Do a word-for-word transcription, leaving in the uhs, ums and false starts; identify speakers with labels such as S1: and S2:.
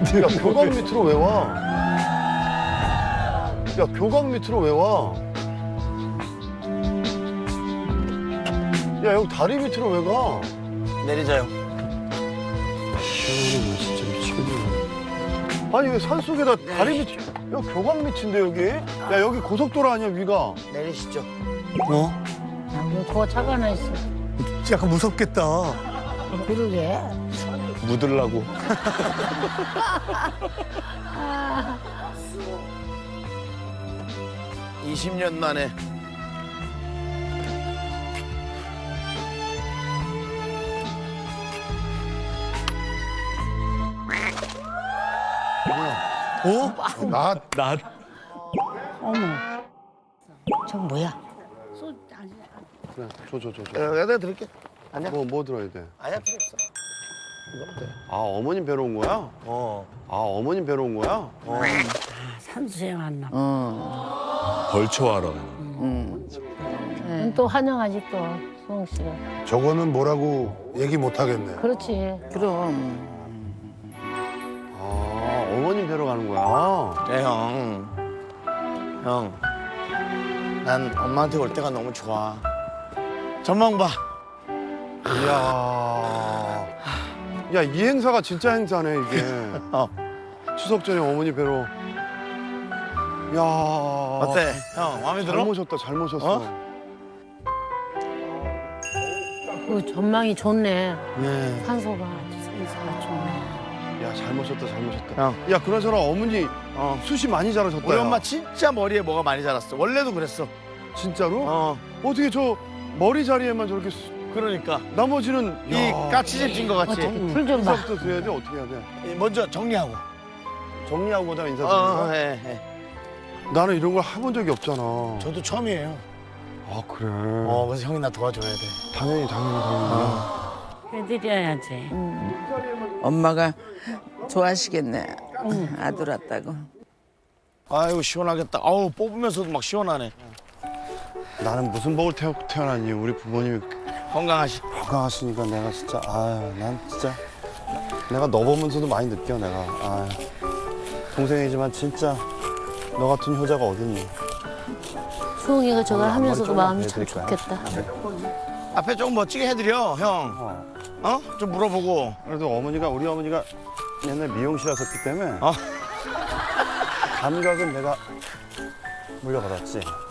S1: 야, 교각 밑으로 왜 와? 야, 교각 밑으로 왜 와? 야, 여기 다리 밑으로 왜 가?
S2: 내리자요.
S1: 시원하네, 진짜 미치겠네. 아니, 왜 산속에다 다리 밑, 야, 교각 밑인데, 여기? 야, 여기 고속도로 아니야, 위가?
S2: 내리시죠.
S3: 어?
S4: 아, 왜 그거 차가 하나 있어?
S3: 약간 무섭겠다.
S4: 그러게.
S1: 묻으려고.
S2: 이십 년 만에.
S3: 어?
S1: 나,
S3: 나
S4: 어머. 저건 뭐야?
S1: 그래, 줘, 줘, 줘, 줘.
S2: 어, 내가 드릴게. 아니야.
S1: 뭐, 뭐 들어야 돼?
S2: 아니야, 필요 없어. 이거면 돼.
S1: 아, 어머님 뵈러 온 거야?
S2: 어.
S1: 아, 어머님 뵈러 온 거야?
S2: 어.
S4: 산수생 왔나 봐.
S2: 어.
S5: 벌초하러.
S2: 음.
S4: 응, 또 환영하지 또, 수홍 씨가.
S6: 저거는 뭐라고 얘기 못 하겠네.
S4: 그렇지.
S7: 그럼
S1: 아, 어머님 뵈러 가는 거야?
S2: 네, 형. 형. 난 엄마한테 올 때가 너무 좋아. 전망 봐.
S1: 이야. 야, 이 행사가 진짜 행사네, 이게.
S2: 어.
S1: 추석 전에 어머니 뵈러. 야.
S2: 어때? 형, 마음에
S1: 잘
S2: 들어?
S1: 모셨다, 잘 모셨어.
S2: 어?
S4: 그 전망이 좋네.
S1: 네.
S4: 산소가, 산소가 좋네.
S1: 야, 잘 모셨다, 잘 모셨다.
S2: 형.
S1: 야, 그나저나 어머니
S2: 어.
S1: 숱이 많이 자라셨다.
S2: 우리
S1: 야.
S2: 엄마 진짜 머리에 뭐가 많이 자랐어. 원래도 그랬어.
S1: 진짜로?
S2: 어.
S1: 어떻게 저 머리 자리에만 저렇게 수-
S2: 그러니까.
S1: 나머지는
S2: 이 까치집 찐 거 같이.
S4: 어떻게 풀 좀 봐.
S1: 인사부터 드려야 돼? 어떻게 해야 돼?
S2: 먼저 정리하고.
S1: 정리하고 그다음 인사
S2: 어,
S1: 드리는
S2: 어,
S1: 거야?
S2: 해, 해.
S1: 나는 이런 걸 해본 적이 없잖아.
S2: 저도 처음이에요.
S1: 아, 그래.
S2: 어, 그래서 형이 나 도와줘야 돼.
S1: 당연히, 당연히, 당연히.
S4: 해드려야지.
S7: 엄마가 좋아하시겠네. 아들 왔다고.
S2: 아이고, 시원하겠다. 아우, 뽑으면서도 막 시원하네.
S1: 나는 무슨 복을 태어, 태어나니 우리 부모님이
S2: 건강하시.
S1: 건강하시니까 내가 진짜 아유 난 진짜 내가 너 보면서도 많이 느껴 내가 아유 동생이지만 진짜 너 같은 효자가 어딨니.
S4: 수홍이가 저걸
S1: 오늘
S4: 하면서도
S1: 앞머리
S4: 마음이 참
S1: 조금만
S4: 좋겠다.
S2: 앞에 조금 멋지게 해드려, 형.
S1: 어.
S2: 어? 좀 물어보고.
S1: 그래도 어머니가 우리 어머니가 옛날 미용실 하셨기 때문에
S2: 어.
S1: 감각은 내가 물려받았지.